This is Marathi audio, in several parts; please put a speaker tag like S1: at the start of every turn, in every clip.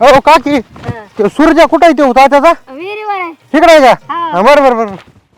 S1: हो काकी तो सूर्य कुठे आहे? तो होता त्याचा
S2: विहिरीवर आहे.
S1: तिकडे आहे का?
S2: हा.
S1: हा, बरं बरं बरं.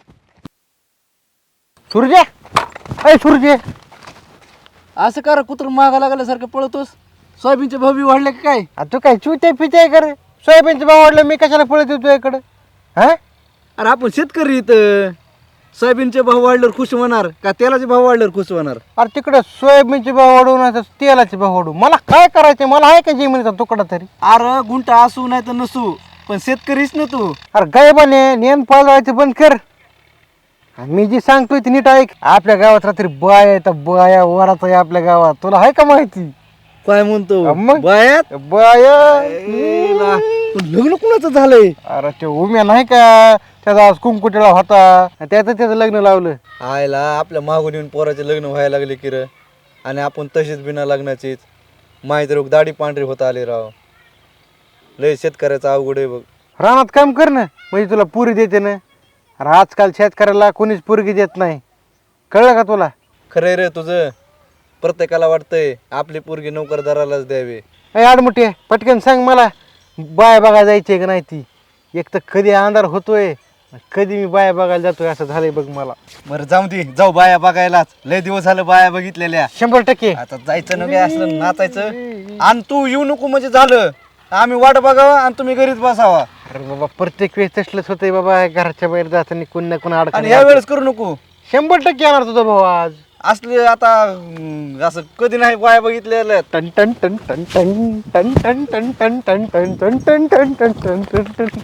S1: सूर्य अय सूर्य
S3: असं कर कुत्र मागा लागल्यासारखं पळतोस. सोयाबीनचे भाव बी वाढले का काय?
S1: तू काय चुते पिते कर सोयाबीनचे भाव वाढले मी कशाला पळत येतो इकडे हा?
S3: अरे आपण शेतकरी इथं सोयाबीनचे भाव वाढल्यावर खुश होणार का तेलाचे भाव वाढल्यावर खुश होणार?
S1: अरे तिकडे सोयाबीनचे भाव वाढवून आता तेलाचे भाव वाढवू मला काय करायचे? मला आहे का जमिनीचा तुकडा तरी?
S3: अरे गुंठा असू नाही तर नसू पण शेतकरीच ना तू.
S1: अरे गायबाने नेन पाळवायचं बंद कर. आणि मी जी सांगतोय ती नीट ऐक. आपल्या गावात रात्री बाया येतात बाया वरात आहे आपल्या गावात तुला आहे का माहिती?
S3: काय म्हणतो
S1: मग?
S3: बायात
S1: बाया
S3: एला, पण लग्न कुणाचं झालंय?
S1: अरे ते उम्या नाही का त्याचा आज कुंकुटेला होता त्याचं लग्न लावलं.
S3: आयला आपल्या मागून येऊन पोराचे लग्न व्हायला लागले की र. आणि आपण तशीच बिना लग्नाचीच माहीत रोग दाढी पांढरी होता आले राव. लय शेतकऱ्याचं अवघड आहे बघ.
S1: रानात काम कर ना म्हणजे तुला पुरी देते ना. अरे आजकाल शेतकऱ्याला कोणीच पुरगी देत नाही कळलं का तुला?
S3: खरंय रे तुझं. प्रत्येकाला वाटतंय आपली पोरगी नोकरदारालाच द्यावी.
S1: अय आडमुठे पटकन सांग मला बाय बघायला जायची का नाही ती? एक तर कधी अंधार होतोय कधी मी बाया बघायला जातोय असं झालंय बघ मला.
S3: बरं जाऊ दे जाऊ बाया बघायला. लय दिवस झालं बाया बघितलेल्या.
S1: 100%.
S3: आता जायचं नव्हे असलं नाचायचं आणि तू येऊ नको म्हणजे झालं. आम्ही वाट बघावा आणि तुम्ही घरीच बसावा.
S1: अरे बाबा प्रत्येक वेळेस तसलंच होतंय बाबा घराच्या बाहेर जाताना कोण ना कोण
S3: आणि
S1: अडकण.
S3: ह्या वेळेस करू नको.
S1: 100% येणार तुझा भाऊ आज.
S3: असले आता असं कधी नाही बाया बघितलेल्या.
S1: टन टन टन टन टन टन टन टन टन टन टन टन टन टन टन टन टन टन.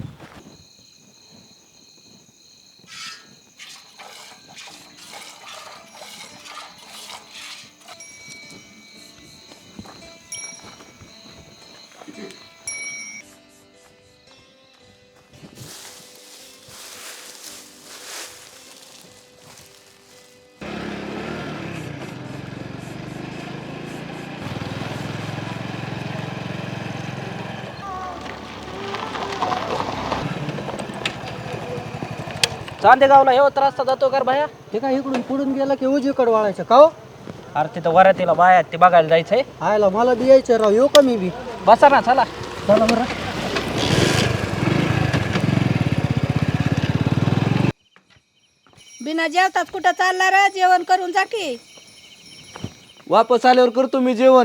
S4: चांदेगावला हे होता रस्ता जातो का भाया?
S5: हे काय इकडून पुढून गेला की उजवीकडे वाळायचं का हो?
S4: अरे तिथं वरातीला बाया आहेत, ते बघायला जायचंय.
S5: आयला मला बी यायचं राव येऊ का मी बी?
S4: बसा ना चला.
S5: चला बरं.
S2: बिना जेवतात कुठं चालला रे? जेवण करून जा की.
S3: वापस आल्यावर करतो मी जेवण.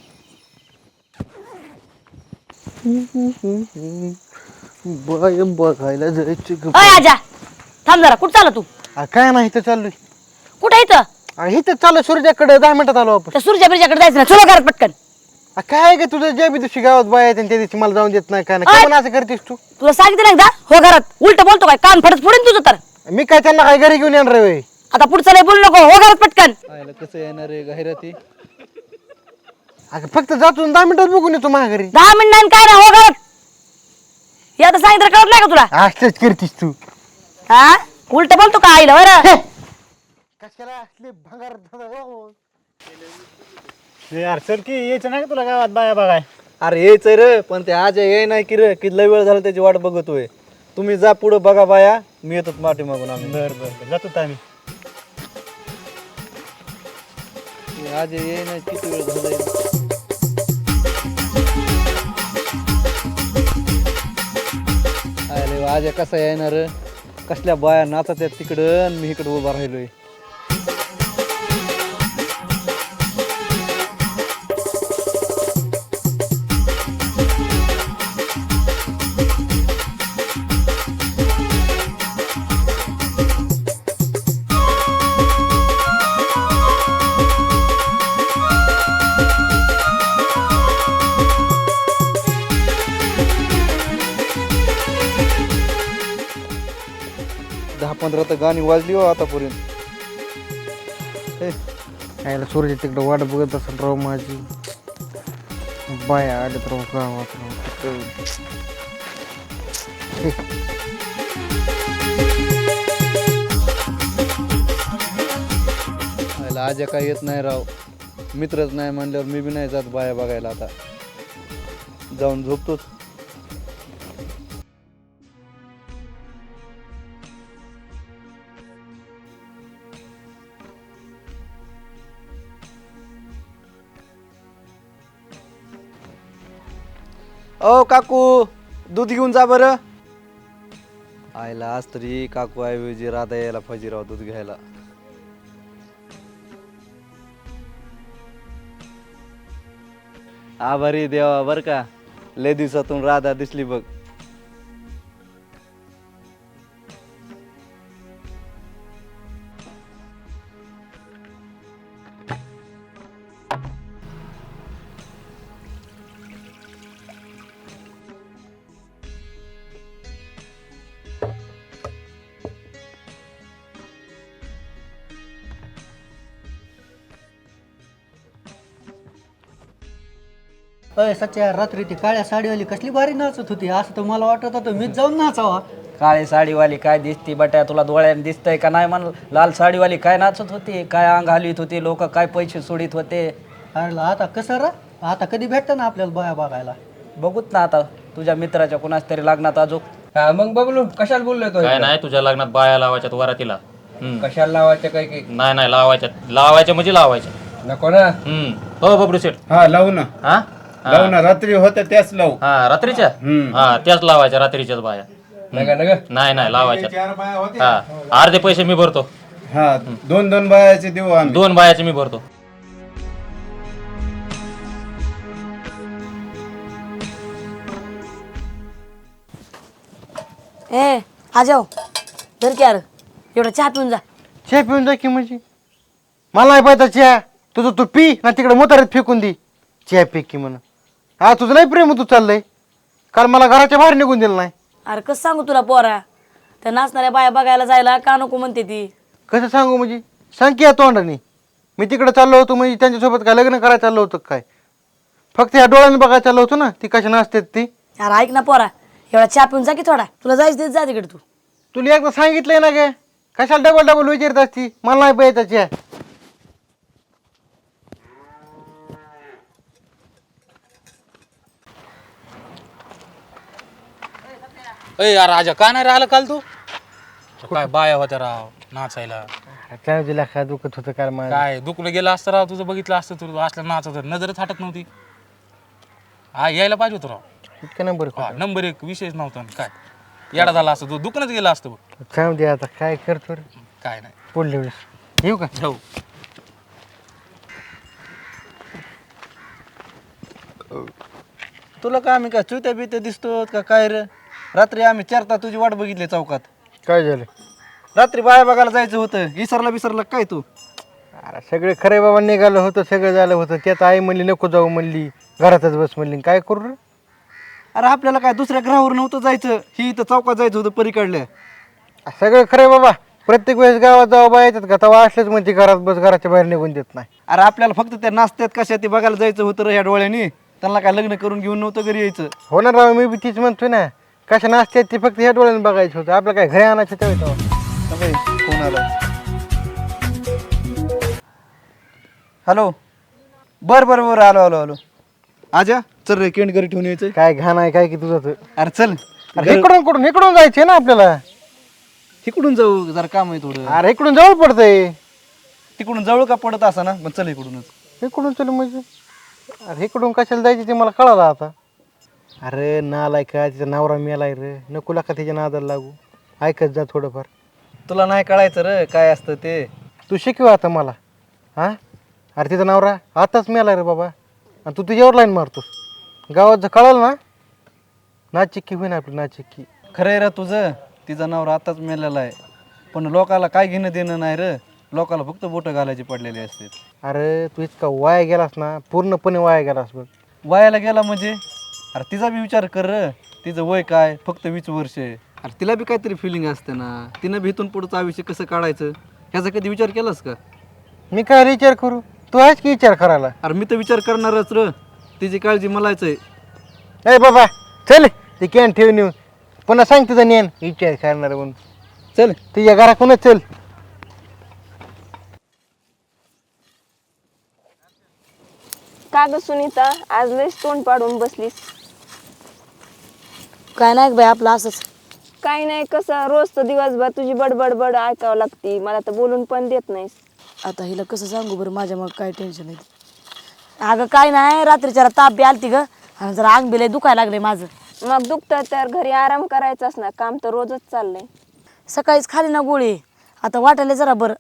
S1: बाय बघायला जायची ग.
S6: अय आजा थांब जरा. कुठं चालला तू?
S1: काय नाही इथं चाललोय.
S6: कुठं इथं?
S1: इथं चालू सूर्याकडे 10 मिनिटात आलो आपण.
S6: त्या सूर्या बिर्जाकडे जायचं ना. चलो घरात पटकन.
S1: काय ग तुझं ज्या बी दिवशी गावात बाय येते त्या दिवशी मला जाऊन देत नाही काय नाही. का असं करतेस तू?
S6: तुला सांगितलं ना एकदा हो घरात. उलट बोलतो काय? कान फडत फोडीन तुझं तर.
S1: मी काय त्यांना काय घरी घेऊन येणार रे?
S6: आता पुढचं नाही बोलू नको. हो घरात पटकन.
S3: आयला कसं येणार आहे जाहिराती?
S1: अगं फक्त जातो 10 मिनिटात बघून येतो माझ्या घरी.
S6: 10 मिनिटांनी काय नाही हो घरात. हे आता सांगितलं कळत नाही का तुला?
S1: असंच करतीस तू.
S6: हा उलट बोलतो का आईला बरं?
S1: कशाला असले भंगार
S5: यार सर की यायचं नाही का तुला गावात बाया बघाय?
S3: अरे यायचंय रे पण ते आज ये नाही की रे की लय वेळ झाला त्याची वाट बघतोय. तुम्ही जा पुढं बघा बाया. मी येतो माठी मागून. आम्ही
S5: बरं बरं जातो आम्ही.
S3: आज ये नाही किती वेळ झालाय. अरे आज कसा येणार? कसल्या बाया नाचत आहेत तिकडं आणि मी इकडं उभा राहिलोय. दहा 15 तर गाणी वाजली हो आतापर्यंत.
S1: यायला सूर्य तिकडे वाट बघत असेल राव माझी. बाया आले राव गावात राव.
S3: आज काय येत नाही राव. मित्रच नाही म्हणल्यावर मी बी नाही जात बाया बघायला. आता जाऊन झोपतोच. ओ काकू दूध घेऊन जा बरं. आईला आज तरी काकू ऐवजी राधा यायला पाहिजे राव दूध घ्यायला. आभारी देवा बर का, लय दिवसातून राधा दिसली बघ.
S5: अय सच्च्या रात्री ती काळ्या साडीवाली कसली भारी नाचत होती, असं तर मला वाटत होतं मीच जाऊन नाचावा.
S4: काळी साडीवाली काय दिसती बट्या तुला डोळ्याने दिसतंय का नाही? म्हण लाल साडीवाली काय नाचत होती, काय अंग हलवीत होती, लोक काय पैसे सोडित होते.
S5: अरे आता कसं रा, आता कधी भेटतं ना आपल्याला बाया बघायला.
S4: बघूत ना आता तुझ्या मित्राच्या कुणाच तरी लग्नात अजून.
S1: मग बघलो कशाला बोललोय तो?
S7: काय नाही तुझ्या लग्नात बाया लावायच्यात वरातीला.
S1: कशाला लावायचं काय की?
S7: नाही लावायच्या म्हणजे लावायच्या.
S1: नको ना.
S7: हो बबलू शेठ.
S8: हा लावू ना,
S7: हा
S8: लावू ना. रात्री होत्या त्याच लावू.
S7: हा रात्रीच्या. हा त्याच लावायच्या रात्रीच्याच बाया. नाही लावायच्या. हा अर्धे पैसे मी भरतो.
S8: हा 2-2 बायाचे देऊ आम्ही.
S7: 2 बायाचे मी भरतो.
S6: ए आ जाओ धर की यार, एवढा चहा पिऊन जा.
S1: चहा पिऊन जा की म्हणजे? मला नाही पाहिजे चहा. तुझं तू पी ना तिकडे मोतारीत फेकून दे. चहा पी की म्हणून. हा तुझं नाही प्रेम तू चाललंय. काल मला घराच्या बाहेर निघून दिलं नाही.
S6: अरे कसं सांगू तुला पोरा, त्या नाचणाऱ्या बाया बघायला जायला का नको म्हणते ती.
S1: कसं सांगू म्हणजे? सांग की या तोंडाने. मी तिकडे चाललो होतो म्हणजे त्यांच्यासोबत काय लग्न करायला चाललो होतं काय? फक्त या डोळ्याने बघायला चाललो होतो ना ती कशा नाचते ती.
S6: अरे ऐक ना पोरा, एवढा चहा पिऊन जा की थोडा, तुला जायचं जा तिकडे तू.
S1: तुला एकदा सांगितलंय ना गे, कशाला डबल विचारत असती? मला नाही पाहिजे चहा.
S9: अय यार राजा का नाही राहिला काल तू? काय बाया होत्या राव नाचायला.
S1: काय दिला काय दुखत होतं काय मला?
S9: काय दुखलं गेलं असतं राव, तुझं बघितलं असतं तू असलं नाचत होतं, नजरच हटत नव्हती. हा यायला पाहिजे होतं राव.
S1: इतका नंबर
S9: हा नंबर 1 विषयच नव्हता. काय येडा झाला असतं तू, दुकानात गेला असतं बघ.
S1: सांग दे आता काय करतो रे.
S9: काय नाही
S1: पुढल्या वेळेस येऊ का?
S9: हो.
S3: तुला काय आम्ही काय चुत्या बित्या दिसतो का काय रे? रात्री आम्ही 4 तास तुझी वाट बघितली चौकात.
S1: काय झालं?
S3: रात्री बाया बघायला जायचं होतं, विसरला काय तू?
S1: अरे सगळे खरे बाबा निघालं होतं, सगळं झालं होतं. त्यात आई म्हणली नको जाऊ म्हणली, घरातच बस म्हणली. काय करू रे?
S3: अरे आपल्याला काय दुसऱ्या ग्रहावर नव्हतं जायचं, ही इथं चौकात जायचं होतं परीकडल्या.
S1: सगळं खरे बाबा. प्रत्येक वेळेस गावात जाऊ बा येतात का तेव्हा असलेच म्हणजे घरात बस, घराच्या बाहेर निघून देत नाही.
S3: अरे आपल्याला फक्त त्या नाचत्यात कशा ते बघायला जायचं होतं रे ह्या डोळ्यानी. त्यांना काय लग्न करून घेऊन नव्हतं घरी यायचं.
S1: हो ना राव, मी बी तीच म्हणतोय ना. कशा नाचते ते फक्त ह्या डोळ्याने बघायचं होतं. आपलं काय घरी आणायचं तेव्हा.
S3: फोन आला. हॅलो. बरं आलो. आजा चल रे, केंड घरी ठेवून यायचं.
S1: काय घाण आहे काय की तुझं तर.
S3: अरे चल.
S1: अरे इकडून जायचंय ना आपल्याला.
S3: तिकडून जाऊ, जरा काम आहे थोडं.
S1: अरे इकडून जवळ पडतंय.
S3: तिकडून जवळ का पडत असा ना, पण चल इकडूनच.
S1: इकडून चल म्हणजे? अरे इकडून कशाला जायचं ते मला कळालं आता. अरे नालाय का, तिचा नवरा मेलाय रे. नको का तिच्या नादाला लागू. ऐकत जा थोडंफार.
S3: तुला नाही कळायचं रे काय असतं ते.
S1: तू शिकव आता मला. हा अरे तिचा नवरा आताच मेला रे बाबा, आणि तू तुझ्यावर लाईन मारतोस. गावात जर कळालं ना, नाचिक्की होईन आपली नाचिक्की.
S3: खरं आहे रे तुझं, तिचा नवरा आताच मेलेला आहे. पण लोकाला काय घेणं देणं नाही रे. लोकाला फक्त बोटं घालायची पडलेली असते.
S1: अरे तू इतका वाया गेलास ना, पूर्णपणे वाया गेलास बघ.
S3: वयाला गेला म्हणजे? अरे तिचा बी विचार कर र. तिचं वय काय, फक्त 20 वर्ष आहे. अरे तिला बी काहीतरी फिलिंग असते ना. तिनं बी इथून पुढचं आयुष्य कसं काढायचं ह्याचा कधी विचार केलास का?
S1: मी काय विचार करू, तू आहेस की विचार करायला.
S3: अरे मी तर विचार करणारच र. तिची काळजी मलाच आहे.
S1: ए बाबा चल, ते कॅन ठेवून येऊ. पुन्हा सांग तुझं नेन विचार करणार म्हणून.
S3: चल
S1: तुझ्या घराकडूनच चल.
S10: का ग सुनीता, आज लयच तोंड पाडून बसलीस?
S6: काय नाही बाई, आपलं असंच.
S10: काही नाही, कसं रोज तर दिवसभर तुझी बडबड ऐकावं लागती. मला तर बोलून पण देत नाहीस.
S6: आता हिला कसं सांगू बरं, माझ्या मग काय टेन्शन आहे. अगं काय नाही, रात्रीच्या ताप बी आलती ग, आणि जरा अंग बिलय दुखायला लागले माझं.
S10: मग दुखतं तर घरी आराम करायचाच ना, काम तर रोजच चाललंय.
S6: सकाळीच खाली ना गोळी, आता वाटायला जरा बरं.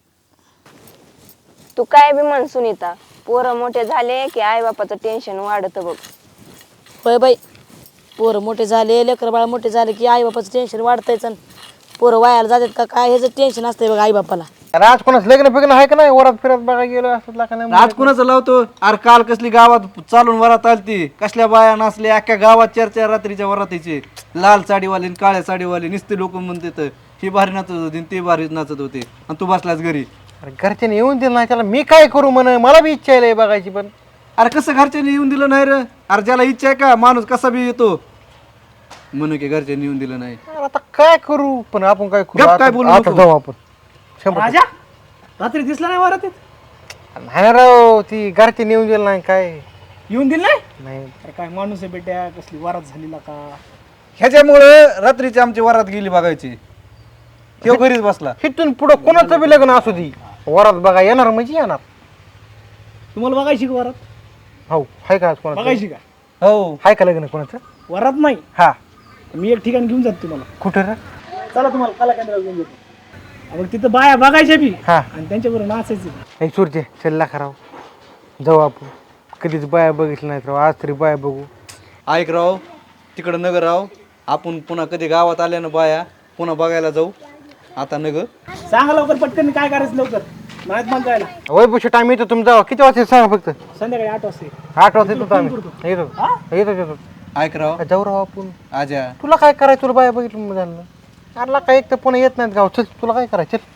S10: तू काय बी म्हण सुनीता, पोरं मोठे झाले की आई बापाचं टेन्शन वाढतं बघ.
S6: होय बाई, पोरं मोठे झाले, लेकर बाळ मोठे झाले की आई बापाचं टेन्शन वाढतंयच. आणि पोरं वायाला जातात का काय ह्याचं टेन्शन असतंय बघ आई बापाला.
S1: अरे आज कोणाच लग्न फिग्न आहे का नाही? वरात फिरत बघा गेलो असं का नाही?
S3: आज कुणाचं लावतो? अरे काल कसली गावात चालून वरात आलती, कसल्या बाया नाचल्या अख्ख्या गावात, 4-4 रात्रीच्या वरातीचे. लाल साडीवाले आणि काळ्या साडीवाले नुसते लोक म्हणतात ही भारी नाचत होती आणि ते भारी नाचत होते, आणि तू बसलास घरी.
S1: अरे घरच्याने येऊन दिलं नाही त्याला, मी काय करू म्हण? मला बी इच्छा आहे बघायची, पण
S3: अरे कसं घरच्यांनी येऊन दिलं नाही रे? अरे ज्याला इच्छा आहे का माणूस कसा बी येतो म्हणून की घरच्यांनी येऊन दिलं नाही.
S1: अरे आता काय करू? पण आपण काय करू?
S3: गप काय
S1: आता
S3: बोलू
S1: आता
S3: नको.
S1: जाऊ आपण. 100%.
S5: रात्री दिसला नाही वरातीत?
S1: नाही ना राव, ती घरचे नेऊन दिलं नाही काय
S5: येऊन दिलं नाही?
S1: नाही.
S5: अरे काय माणूस आहे बेट्या, कसली वरात झालेला का.
S3: ह्याच्यामुळं रात्रीची आमची वरात गेली बघायची, तो घरीच बसला.
S1: इथून पुढं कोणाचं बी लग्न असू दे, वरात बघा येणार म्हणजे येणार.
S5: तुम्हाला बघायची का वरात?
S1: हो, हाय का आज कोणाचं?
S5: बघायची का
S3: हो,
S1: हाय का लग्न कोणाचं?
S5: वरात नाही?
S1: हा.
S5: मी एक ठिकाण घेऊन जातो तुम्हाला.
S1: कुठं रे?
S5: चला तुम्हाला कला केंद्रावर घेऊन जातो. मग तिथं बाया बघायच्या बी
S1: हा.
S5: आणि त्यांच्याबरोबर नाचायचं.
S1: नाही सूर्य चल्ला खराव, जाऊ आपण. कधीच बाया बघितलं नाहीत राव, आज तरी बाया बघू.
S3: ऐक राव, तिकडं नगर राव, आपण पुन्हा कधी गावात आल्यानं बाया पुन्हा बघायला जाऊ. आता नगर
S5: सांगा लवकर पटकन काय करायचं लवकर, नाहीत मग जायला.
S1: वय बुशी टाइम येतो तुम्ही जावा. किती वाजता सांगा फक्त?
S5: संध्याकाळी 8 वाजता.
S1: 8 वाजता येतो आम्ही. येतो.
S3: ऐक राव,
S1: जाऊ राव आपण.
S3: आजा
S1: तुला काय करायचं? तुला बाया बघितलं झालं. अरे काय एक तर पुन्हा येत नाहीत गाव. चल तुला काय करायचं? चल.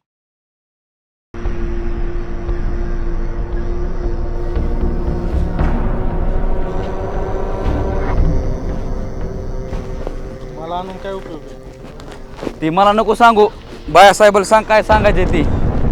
S9: मला आणून काय उपयोग आहे?
S4: ती मला नको सांगू, बायासाहेबाला सांग काय सांगायचे ती.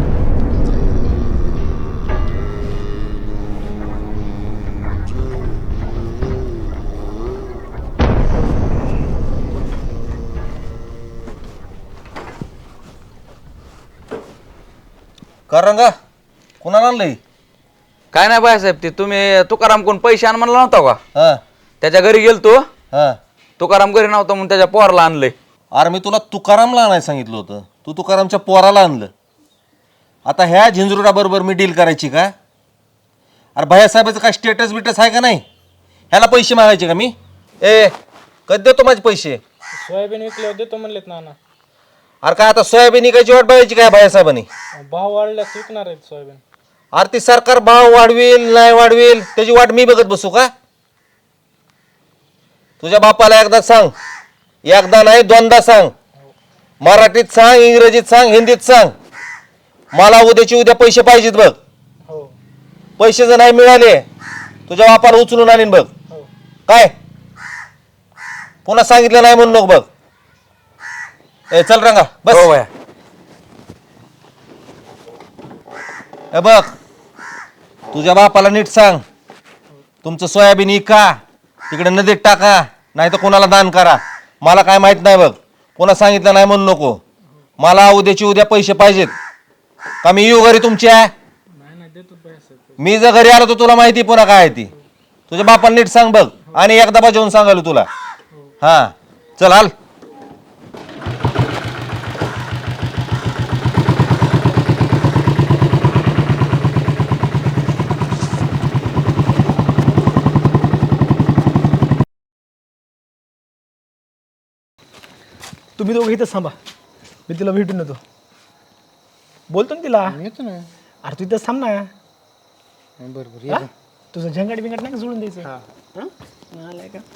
S11: रंगा कुणाला आणलंय?
S4: काय नाही बायासाहेब, ते तुम्ही तुकाराम कोण पैसे आण म्हणला नव्हता का?
S11: हा
S4: त्याच्या घरी गेलतो,
S11: हा.
S4: तुकाराम घरी नव्हता म्हणून त्याच्या पोराला आणलंय.
S11: अरे मी तुला तुकारामला आणायला सांगितलं होतं, तू तुकारामच्या पोराला आणलं. आता ह्या झिंजरुडा बरोबर मी डील करायची का? अरे भैयासाहेबाचं काय स्टेटस बिटस आहे का नाही? ह्याला पैसे मागायचे का मी? कधी देतो माझे पैसे?
S9: सोयाबीन विकल्यावर देतो म्हणलेत नाना.
S11: अरे काय आता सोयाबीन इकायची वाट बघायची काय भैयासाहेबांनी?
S9: भाव वाढल्यास विकणार आहेत सोयाबीन.
S11: अरे ती सरकार भाव वाढवेल नाही वाढवेल त्याची वाट मी बघत बसू का? तुझ्या बापाला एकदा सांग, एकदा नाही 2दा सांग. मराठीत सांग, इंग्रजीत सांग, हिंदीत सांग. मला उद्याची उद्या पैसे पाहिजेत बघ.
S9: हो
S11: पैसे जर नाही मिळाले तुझ्या बापाला उचलून आणीन बघ. काय पुन्हा सांगितलं नाही म्हणून नको बघ. चल रंगा बस.
S4: हो बाया.
S11: बघ तुझ्या बापाला नीट सांग, तुमचं सोयाबीन इका तिकडे नदीत टाका, नाही तर कोणाला दान करा. मला काय माहित नाही बघ, कोणा सांगितलं नाही म्हणून नको. मला उद्याची उद्या पैसे पाहिजेत का मी येऊ घरी तुमच्या? मी जर घरी आलो तर तुला माहिती पुन्हा काय आहे ती. तुझ्या बापाला नीट सांग बघ, आणि एकदा बजावून सांगाल तुला. हा चल हाल.
S5: तुम्ही दोघं इथंच थांबा, मी तिला भेटून येतो. बोलतो ना तिला.
S1: येतो ना.
S5: अरे तू इथंच थांब ना.
S1: बरोबर.
S5: हा? तुझं झंगाट बिंगाट नाही का सोडून द्यायचं? हा? आलाय का?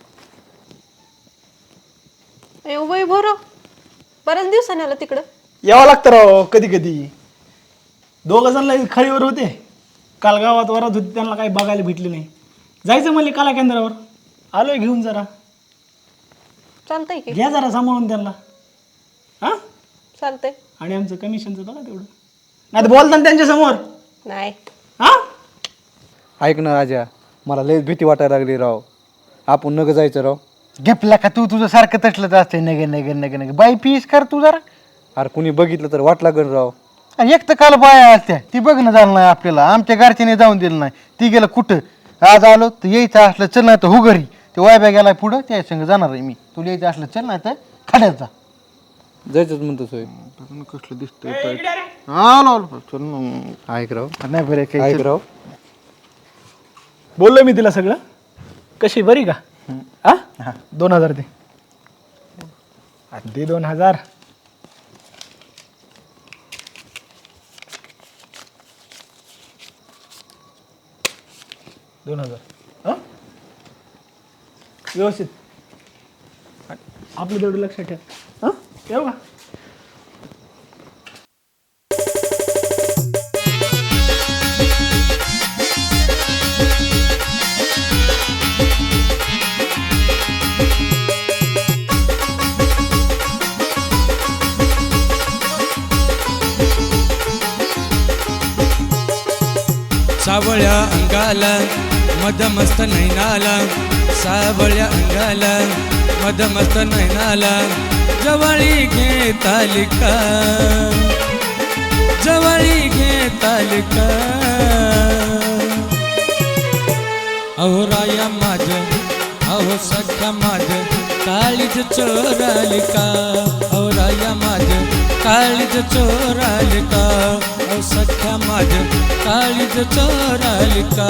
S2: वय भरो बऱ्याच दिवसाने आलं तिकडं.
S5: यावं लागतं राव कधी कधी. 2 जण खळीवर होते, काल गावात वरात होती, त्यांना काही बघायला भेटले नाही. जायचं म्हणले कला केंद्रावर, आलोय घेऊन. जरा
S2: चालतंय की?
S5: घ्या जरा सांभाळून त्यांना. हा
S2: चालतंय.
S5: आणि आमचं कमिशनचं बघा तेवढं, नाही तर बोलता ना त्यांच्या समोर.
S2: नाही
S5: हा
S3: ऐक ना आजा, मला लयच भीती वाटायला लागली राव. आपण नग जायचं राव.
S1: घेपला का तू? तुझं सारखं तसलंच असते. नगे बाई पीस कर तू जरा.
S3: अरे कुणी बघितलं तर वाट लागल राव.
S1: आणि एक तर काल बाया असत्या, ती बघणं झालं नाही आपल्याला. आमच्या घरच्याने जाऊन दिलं नाही, ती गेलं कुठं. आज आलो तर यायचं असलं चल नाही तर हो घरी ते वायब्या गेलाय पुढं त्या संग जाणार आहे मी. तुला यायचं असलं चल नाही तर खाड्यात जा.
S3: जायचंच म्हणतो सोय
S1: कसलं दिसतंय आलो चल मग.
S3: ऐक राव
S1: नाही बरं काही
S3: ऐक राव
S5: बोललो मी तिला सगळं. कशी बरी का? हा 2000 दे. दे 2000. व्यवस्थित आपलं तेवढं लक्षात ठेव. हा ठेव का?
S12: सावळ्या अंगाला मदमस्त नैनाला, सावळ्या अंगाला मदमस्त नैनाला, जवळी घे तालिका, जवळी घे तालिका. अहो राया माझ, अहो सख्या माझ, काळीज चोरालिका. अहो राया माझ, काळीज चोरालिका. अहो सख्या माझ, काळीज चोरालिका.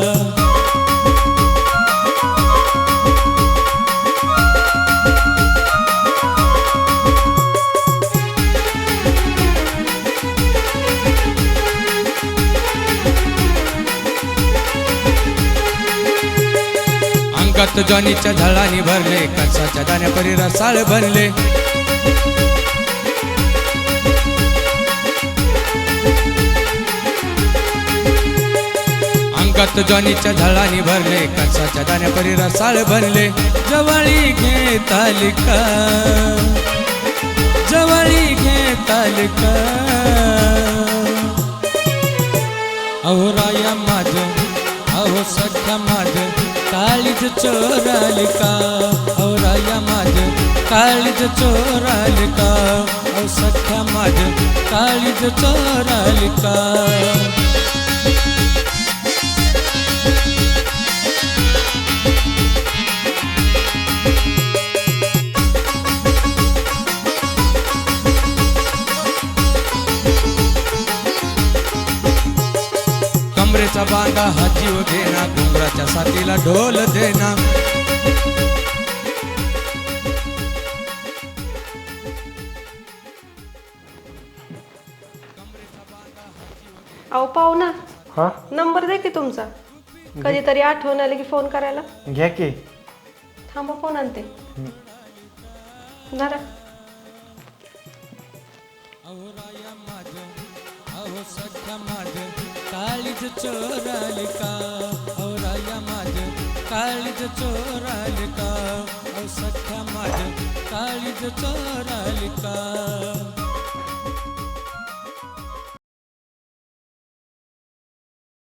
S12: अंगात ज्वानीच्या झाडांनी भरले, कणसाच्या दाण्या परी रसाळ बनले. अंगात ज्वानीच्या झाडांनी भरले, कणसाच्या दाण्या परी रसाळ बनले. जवळी घे तालिका, जवळी घे तालिका. अहो राया माझ, अहो सख्या माझ, काळीज चोरालिका. अहो राया माझ, काळीज चोरालिका. अहो सख्या माझ, काळीज चोरालिका. कमरेचा बांधा हा जीव घेना, घुंगराच्या साथीला ढोल देना.
S2: अहो पाहुणा,
S1: हा
S2: नंबर दे की तुमचा, कधीतरी आठवण आली की फोन करायला.
S1: घ्या की.
S2: थांबा फोन आणते. धरा.
S12: अहो सख्या माझ, काळीज चोरालिका. अहो राया माझ, काळीज चोरालिका. अहो सख्या माझ, काळीज चोरालिका.